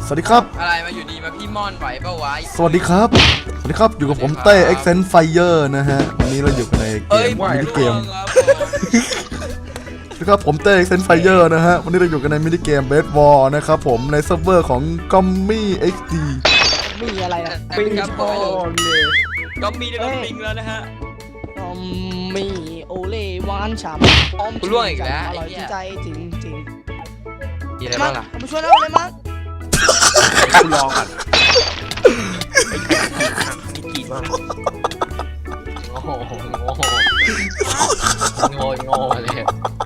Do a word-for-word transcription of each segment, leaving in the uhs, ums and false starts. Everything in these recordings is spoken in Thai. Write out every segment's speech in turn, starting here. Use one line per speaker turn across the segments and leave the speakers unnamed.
วัสดีครับ
อะไรมาอยู่ดีมาพี่ม่อนไหวเปล่าวะ
สวัสดีครับสวัสดีครับอยู่กับผมเต้ Accent Fire นะฮะวันนี้เราอยู่ในเกมมินิเกมนะครับผมเต้ Accent Fire นะฮะวันนี้เราอยู่กันในมินิเกม Bed War นะครับผมในเซิร์ฟเวอร์ของ Gummy เอ็กซ์ ดี
มีอะไรนะ
ปิงครับผมก็มีในรถปิงแล้วนะฮะ
อมมีโอเล่หวานฉ่ำอม
กูล่วงอีกแล้ว
อร่อย
ไอ้เหี้ย
ใจจริงจริง
มีอะไร
มา
บ้างล่ะ
เอามาช่วยแล้วเลยมั้ง
กูรอก่อนมีกี่บ้าง
โอ้โหโง่โง่โง่เลย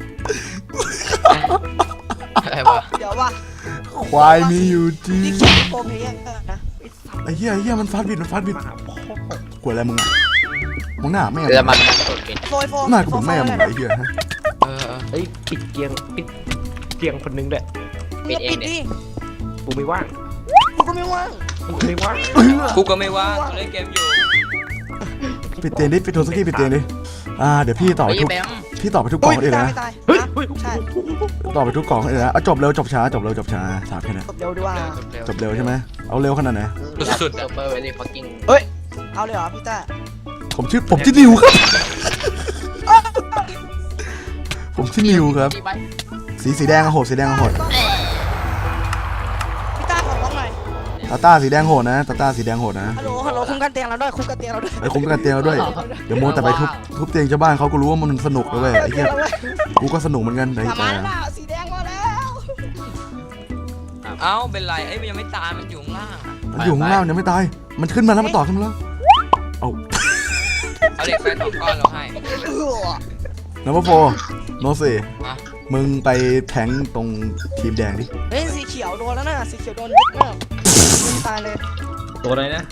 อะไรวะ
เดี๋ยวว่ะ
ควายมีอยู่จริง
นี่เขียนโปรเพลเยอร์นะ
ไอ้เหี้ยไอ้เหี้ยมันฟาดบิดมันฟาดบิดกลัวอะไรมึงอ่ะมึงหน้าแม่
เดี๋ยวมันกดปิด
โฟยโฟ
หน้ากูเหมือนแม่มึงไอ้เหี้ยฮะ
เออ
เฮ้ยปิดเกียงปิดเกียงคนนึงด้วย
ปิดเองดิ
กูไม่ว่าง
กูก็ไม่ว่าง
กูไม่ว่าง
กูก็ไม่ว่างกูเล่นเกมอยู่
ปิดเตียงดิปิดโทรศัพท์ปิดเตียงดิอ่าเดี๋ยวพี่ต่อไป
ไอ้
ทุก
แบม
พี่ต่อไปทุกกล่องเลย
ตาย
นะ
ไม่ตาย
เฮ้ย
นะ
เฮ้ย
ใช่
ต่อไปทุกกล่องเลยนะเอาจบเร็วจบช้าจบเร็วจบช้าถามแค่นั้น
จบเร็วดีว่า
จบเร็วใช่ไหมเอาเร็วขนาดไหน
สุดๆอะเปอร์เวลี่ฟักกิ้ง
เอาเลยเหรอพี่ต้า
ผมชื่อผมชื่อนิวครับ ผมชื่อนิวครับ สีสีแดงอะโหดสีแดงอะโหด
พี่ต้าขอร้องหน่อย
ตาต้าสีแดงโหดนะตาต้าสีแดงโหดนะ
ฮัลโหลฮัลโหลคุ้มกันเตียงเราด้วยคุ้มกันเตียงเราด้วย
ไอ้คุ้มกันเตียงเราด้วยเดี๋ยวโมแต่ไปทุบทุบเตียงชาวบ้านเขาก็รู้ว่ามันสนุกนะเว้ยไอ้เหี้ยกูก็สนุกเหมือนกันไอ้
ทำ
แต่
มาแล้วสีแดงมาแล้ว
เอ้าเป็นไรไอ้มันยังไม่ตายมันอยู่ข้างล่างอะ
มันอยู่ข้างล่างยังไม่ตายมันขึ้นมาแล้วมันต่อขึ้นมาแล้วเอา
เอาเหล็กไฟสองก้อนเราให้
เออ
นัมเบอร์โฟโนเซ
ฮะ
มึงไปแทงตรงทีมแดงดิ
เฮ้ยสีเขียวโดนแล้วนะสีเขียวโดนยึดมากตายเลย
ตัวอะไรนะ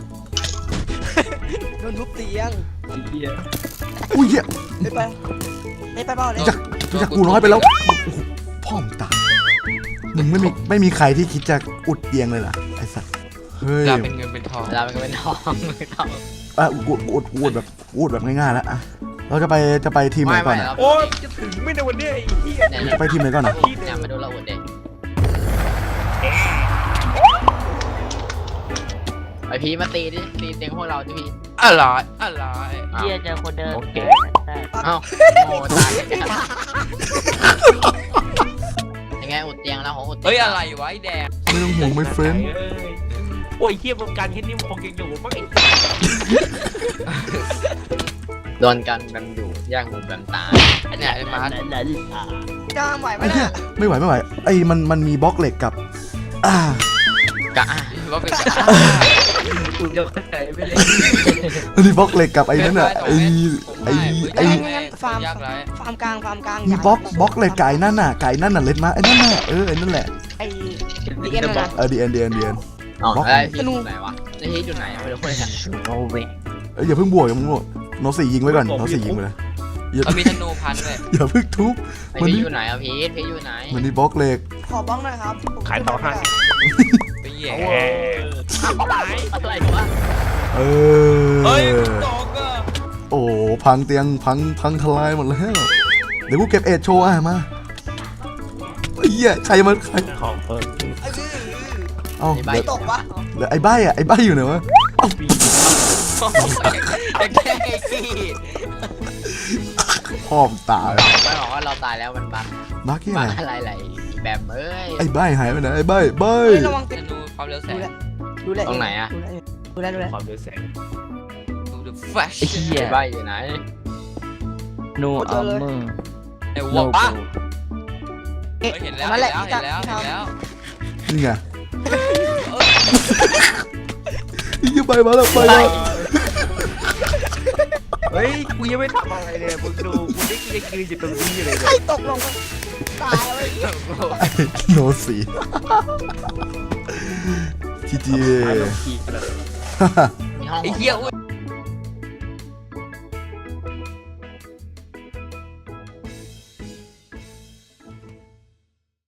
โดนทุบเตียง
ไอ้เหี้ย
อุ้ยเหี้ย
ไปไปไปไปเปล่าเลย
รู้จักรู้จักกูน้อยไปแล้วโอ้โหพ่อมงตายมึงไม่มีไม่มีใครที่คิดจะอุดเตียงเลยเหรอไอ้สัสเฮ้ย
เวลาเป็นเงินเป็นทองเวลาเป็นเงินเป็นทองไม่ต้อง
อ่ะอุดอุดอุดแบบอุดแบบง่ายๆแล้วอ่ะเราจะไปจะไปทีมไหนก่อนอ่ะ
โอ้ยจะถึงไม่ในวันนี้ไอ้เหี้ย
จะไปทีมไหนก่อนอ่ะ
เนี่ยมาดูเราอุดเด็กไอพีมาตีดิตีเตียงพวกเราดิพีอะไรอะไร
เฮียเจอคนเดิน
โอเค
เอ้าโง่ตายยังไงอุดเตียงแล้วของอุดเฮ้ยอะไรวะไอแดง
ไม่ต้องห่วงไม่เฟรน
โอ้ยเหี้ยวงการแค่นี้มันคงยังอยู่มั้งไอ้
โดนกันกันอยู่แย่งหูกันตายเนี่ยไอ้มาร์ท
จ้างไหวไหม
ไอ้เหี้ย
น่ะ
ไม่ไหวไม่ไหวไอ้มันมันมีบล็อกเหล็กกับอ่าก
ะว่าเป็นกะ
กูจะเข้าใจไม่ได้
มันมีบล็อกเหล็กกับไอ้นั่นอ่ะไอ้ไอ้ไอ้
ฟาร์ม
ยากไร
ฟาร์มกลางฟาร์มกลาง
มีบล็อกบล็อกเหล็กไก่นั่นน่ะไก่นั่นน่ะเล็ดมาไอ้นั่นน่ะเออไอ้นั่นแหละ
ไอ้ดีเอ็นนะ
เออดีเอ็นดีเอ็นดีเอ็น
อ๋อไอ้พี่อยู่ไหนวะไอ้พี่อยู่ไหนไม่รู้เลย
โอเว
เอ้ยอย่าเพิ่งบวกอย่าเพิ่งบวกโนสี่ยิงไว้ก่อนโนสี่ยิงไปเลยอย่า
เขามีธนูพันเลย
อย่าเพิ่งทุบ
ไอ้พี่อยู่ไหนอ่ะพีทพี่อยู่ไหน
มันมีบล็อกเหล็ก
ขอบล็อกหน่อยครับ
ขายต่อห้าสิบ
ไปเหยีย
เออ
อะไรวะ
เอ
เฮ้ย
อ
ตกอ่ะ
โอ้พังเตียงพังพังทลายหมดแล้วเดี๋ยวกูเก็บเอ็ดโชว์อ่ะมาไอ้เหี้ยใครมันใคร
ของเพิ่ม
เอ้า
ไม่
เดี๋ยว
ตกวะ
เดี๋ยวไอ้ใบอ่ะไอ้ใบอยู่ไหนวะ
จะแค่ไอ้กี้
พ่อมตาย
ไม่บอกว่าเราตายแล้วมันบัก
บักที่ไห
บั
น
กอะไรไหลแบบเอ้ย
ไอ้ใบหายไปไหนไอ้ใบใบ
เฮ้ยระวัง
ธ
ติด
นูความเร็วแส
ดู
ง
แลดูแล
ตรงไหนอะ
ดูแลดูแล
ความเร็วแสง
ดูดูแฟช
ไอ้เฮีย
ใบอยู่ไหน
โนอัมเมอร์
ไอ้
โน
วัว
โบ
ป้า
เอ๊ะ
เห็นแล้ว
นั่น
เห็
แห
น
ละ
แล้ว
พี่
เห็นแล้ว
ทำ
เห็นแล้ว
นี่ไงไอ้เหี้ยใบมาแล้วใบมา
เฮ้ยกูยังไม่ทำอะไรเลยมึงดูกูได้ได้ยืนอยู่ตรงนี้เลย
ใครตกลงไปตายเลย
โนสี่จีจี
ตายลงทีเลย
ไอ้เหี้ยอุ้ย